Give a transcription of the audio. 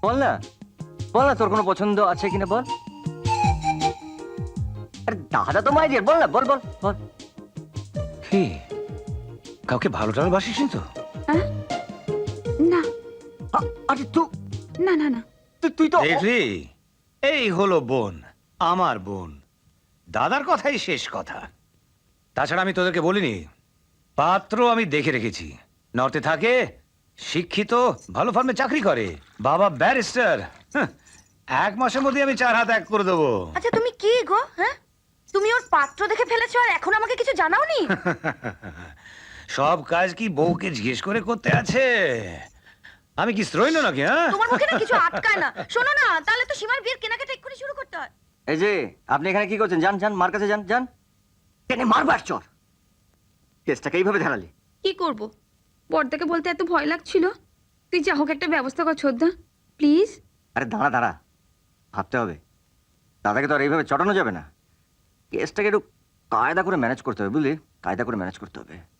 বল না, বল না তোর কোনো পছন্দ আছে কিনা বল। আরে দাদা তো মাই ডিয়ার, বল না, বল বল বল। কি কাউকে ভালো টালবাসিস তো? হ্যাঁ? না আরে তুই না না না তুই তো দেখলি, এই হলো বোন, আমার বোন। দাদার কথাই শেষ কথা। তাছাড়া আমি তোদেরকে বলিনি, পাত্র আমি দেখে রেখেছি। নর্থে থাকে, শিক্ষিত, ভালো ফার্মে চাকরি করে, বাবা ব্যারিস্টার। 1 মাসের মধ্যে আমি 4 হাত এক করে দেবো। আচ্ছা তুমি কি গো? হ্যাঁ, তুমি ওর পাত্র দেখে ফেলেছো আর এখন আমাকে কিছু জানাওনি? সব কাজ কি বউকে জিজ্ঞেস করে করতে আছে? আমি কি শ্রৈণ নাকি? হ্যাঁ, তোমার মুখে না কিছু আটকায় না। শোনো না, তাহলে তো সীমার বিয়ের কেনাকাটা এক্ষুনি শুরু করতে হয়। এই যে আপনি এখানে কি করছেন? যান যান, মার কাছে যান যান। কেন মারবার চর? কেসটাকে এইভাবে ধারালি? কি করব, বড়দাকে বলতে এত ভয় লাগছিল। তুই যা হোক একটা ব্যবস্থা কর ছোদ্দা, প্লিজ। আরে দাঁড়া দাঁড়া, ভাবতে হবে। দাদাকে তো আর এইভাবে চটানো যাবে না। কেসটাকে একটু কায়দা করে ম্যানেজ করতে হবে, বুঝলি? কায়দা করে ম্যানেজ করতে হবে।